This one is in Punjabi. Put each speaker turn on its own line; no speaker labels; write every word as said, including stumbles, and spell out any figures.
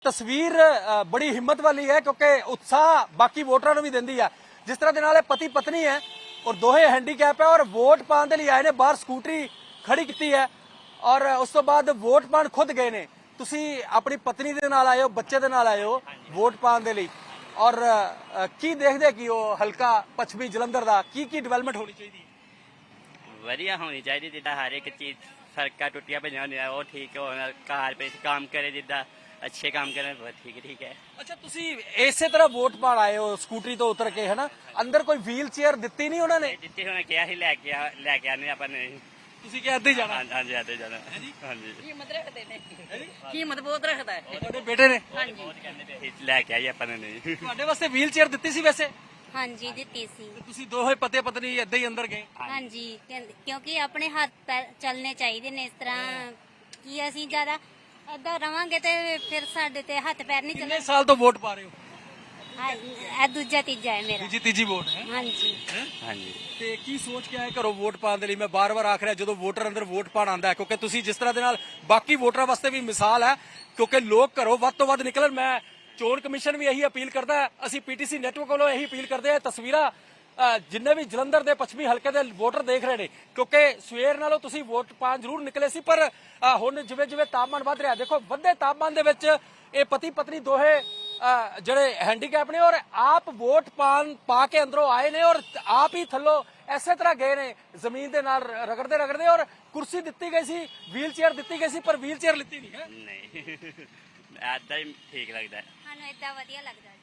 ਤਸਵੀਰ ਅ, ਬੜੀ ਹਿੰਮਤ ਵਾਲੀ ਹੈ ਕਿਉਂਕਿ ਉਤਸ਼ਾਹ ਬਾਕੀ ਵੋਟਰਾਂ ਨੂੰ ਵੀ ਦਿੰਦੀ ਹੈ। ਜਿਸ ਤਰ੍ਹਾਂ ਦੇ ਨਾਲ ਇਹ ਪਤੀ ਪਤਨੀ ਹੈ ਔਰ ਦੋਹੇ ਹੈਂਡੀਕੈਪ ਹੈ ਔਰ ਵੋਟ ਪਾਉਣ ਦੇ ਲਈ ਆਏ ਨੇ, ਬਾਹਰ ਸਕੂਟਰੀ ਖੜੀ ਕੀਤੀ ਹੈ ਔਰ ਉਸ ਤੋਂ ਬਾਅਦ ਵੋਟ ਪਾਉਣ ਖੁਦ ਗਏ ਨੇ। ਤੁਸੀਂ ਆਪਣੀ ਪਤਨੀ ਦੇ ਨਾਲ ਆਏ ਹੋ, ਬੱਚੇ ਦੇ ਨਾਲ ਆਏ ਹੋ ਵੋਟ ਪਾਉਣ ਦੇ ਲਈ ਔਰ ਅ, ਕੀ ਦੇਖਦੇ ਕਿ ਉਹ ਹਲਕਾ ਪੱਛਮੀ ਜਲੰਧਰ ਦਾ ਕੀ ਕੀ ਡਿਵੈਲਪਮੈਂਟ ਹੋਣੀ ਚਾਹੀਦੀ ਹੈ?
ਵਧੀਆ ਹੋਣੀ ਚਾਹੀਦੀ, ਜਿੱਦਾਂ ਹਰ ਇੱਕ ਚੀਜ਼ ਸੜਕਾਂ ਟੁੱਟੀਆਂ ਪਈਆਂ ਹੁੰਦੀਆਂ ਉਹ ਠੀਕ ਹੋਣਾ, ਕਾਰ ਪੇ ਕੰਮ ਕਰੇ, ਜਿੱਦਾਂ ਅੱਛੇ ਕੰਮ ਕਰੇ ਬਹੁਤ ਠੀਕ ਠੀਕ ਹੈ।
ਅੱਛਾ, ਤੁਸੀਂ ਇਸੇ ਤਰ੍ਹਾਂ ਵੋਟ ਪਾਉਣ ਆਏ ਹੋ ਸਕੂਟਰੀ ਤੋਂ ਉਤਰ ਕੇ, ਹੈ ਨਾ? ਅੰਦਰ ਕੋਈ ਵੀਲ ਚੇਅਰ ਦਿੱਤੀ ਨਹੀਂ ਉਹਨਾਂ ਨੇ?
ਜਿੱਥੇ ਹੁਣ ਕਿਹਾ ਸੀ ਲੈ ਕੇ ਆ ਲੈ ਕੇ ਆਨੇ ਆਪਾਂ ਨੇ।
ਤੁਸੀਂ ਕਿਹਾ ਇੱਦਾਂ ਹੀ ਜਾਣਾ?
ਹਾਂਜੀ ਹਾਂਜੀ ਆਦੇ ਜਾਣਾ ਹਾਂਜੀ।
ਹਿੰਮਤ ਰੱਖਦੇ ਨੇ, ਹਿੰਮਤ ਬਹੁਤ ਰੱਖਦਾ ਹੈ।
ਤੁਹਾਡੇ ਬੇਟੇ ਨੇ
ਹਾਂਜੀ
ਬਹੁਤ ਕਹਿੰਦੇ ਪਏ ਸੀ ਲੈ ਕੇ ਆਈ ਆਪਾਂ ਨੇ ਨਹੀਂ।
ਤੁਹਾਡੇ ਵਾਸਤੇ ਵੀਲ ਚੇਅਰ ਦਿੱਤੀ ਸੀ ਵੈਸੇ?
ਹਾਂਜੀ ਦਿੱਤੀ ਸੀ।
ਤੇ ਤੁਸੀਂ ਦੋਹੇ ਪਤੀ ਪਤਨੀ ਏਦਾਂ ਹੀ ਅੰਦਰ ਗਏ?
ਹਾਂਜੀ ਕਹਿੰਦੇ- ਕਿਉਂਕਿ ਆਪਣੇ ਹੱਥ ਪੈਰ ਚੱਲਣੇ ਚਾਹੀਦੇ ਨੇ। ਇਸ ਤਰ੍ਹਾਂ ਕੀ ਅਸੀਂ ਜ਼ਿਆਦਾ ਏਦਾਂ ਰਵਾਂਗੇ ਤੇ ਫਿਰ ਸਾਡੇ ਤੇ ਹੱਥ ਪੈਰ ਨਹੀਂ
ਕਿੰਨੇ
ਚੱਲਣੇ।
ਸਾਲ ਤੋਂ ਵੋਟ ਪਾ ਰਹੇ ਹੋ?
ਇਹ ਦੂਜਾ ਤੀਜਾ ਹੈ ਮੇਰਾ।
ਤੀਜੀ ਤੀਜੀ ਵੋਟ ਹੈ?
ਹਾਂਜੀ
ਹਾਂਜੀ
ਤੇ ਕੀ ਸੋਚ ਕੇ ਆਏ ਘਰੋਂ ਵੋਟ ਪਾਉਣ ਦੇ ਲਈ? ਮੈਂ ਬਾਰ-ਬਾਰ ਆਖ ਰਿਹਾ, ਜਦੋਂ ਵੋਟਰ ਅੰਦਰ ਵੋਟ ਪਾਉਣ ਆਉਂਦਾ ਹੈ, ਕਿਉਂਕਿ ਤੁਸੀਂ ਜਿਸ ਤਰ੍ਹਾਂ ਦੇ ਨਾਲ ਬਾਕੀ ਵੋਟਰਾਂ ਵਾਸਤੇ ਵੀ ਮਿਸਾਲ ਹੈ, ਕਿਉਂਕਿ ਲੋਕ ਘਰੋਂ ਵੱਧ ਤੋਂ ਵੱਧ ਨਿਕਲਣ। ਮੈਂ ਚੋਣ ਕਮਿਸ਼ਨ ਵੀ ਇਹੀ ਅਪੀਲ ਕਰਦਾ ਹੈ, ਅਸੀਂ ਪੀਟੀਸੀ ਨੈਟਵਰਕ ਵੱਲੋਂ ਇਹੀ ਅਪੀਲ ਕਰਦੇ ਹਾਂ। ਤਸਵੀਰਾਂ ਅ, ਜਿੰਨੇ ਵੀ ਜਲੰਧਰ ਦੇ ਪੱਛਮੀ ਹਲਕੇ ਦੇ ਵੋਟਰ ਦੇਖ ਰਹੇ ਨੇ, ਕਿਉਂਕਿ ਸਵੇਰ ਨਾਲੋਂ ਤੁਸੀਂ ਵੋਟ ਪਾਉਣ ਜ਼ਰੂਰ ਨਿਕਲੇ ਸੀ, ਪਰ ਅ, ਹੁਣ ਜਿਵੇਂ ਜਿਵੇਂ ਤਾਪਮਾਨ ਵੱਧ ਰਿਹਾ, ਦੇਖੋ ਵੱਧੇ ਤਾਪਮਾਨ ਦੇ ਵਿੱਚ ਇਹ ਪਤੀ ਪਤਨੀ ਦੋਹੇ ਅ, ਜਿਹੜੇ ਹੈਂਡੀਕੈਪ ਨੇ ਔਰ ਆਪ ਵੋਟ ਪਾਣ ਪਾ ਕੇ ਅੰਦਰੋਂ ਆਏ ਨੇ ਔਰ ਆਪ ਹੀ ਥੱਲੋਂ ਐਸੇ ਤਰ੍ਹਾਂ ਗਏ ਨੇ ਜ਼ਮੀਨ ਦੇ ਨਾਲ ਰਗੜਦੇ ਰਗੜਦੇ। ਔਰ ਕੁਰਸੀ ਦਿੱਤੀ ਗਈ ਸੀ, ਵੀਲ ਚੇਅਰ ਦਿੱਤੀ ਗਈ ਸੀ, ਪਰ ਵੀਲ ਚੇਅਰ ਲਿੱਤੀ ਨਹੀਂ ਹੈ।
ਨਹੀਂ ਏਦਾਂ ਹੀ ਠੀਕ ਲੱਗਦਾ।
ਸਾਨੂੰ ਏਦਾਂ ਵਧੀਆ ਲੱਗਦਾ।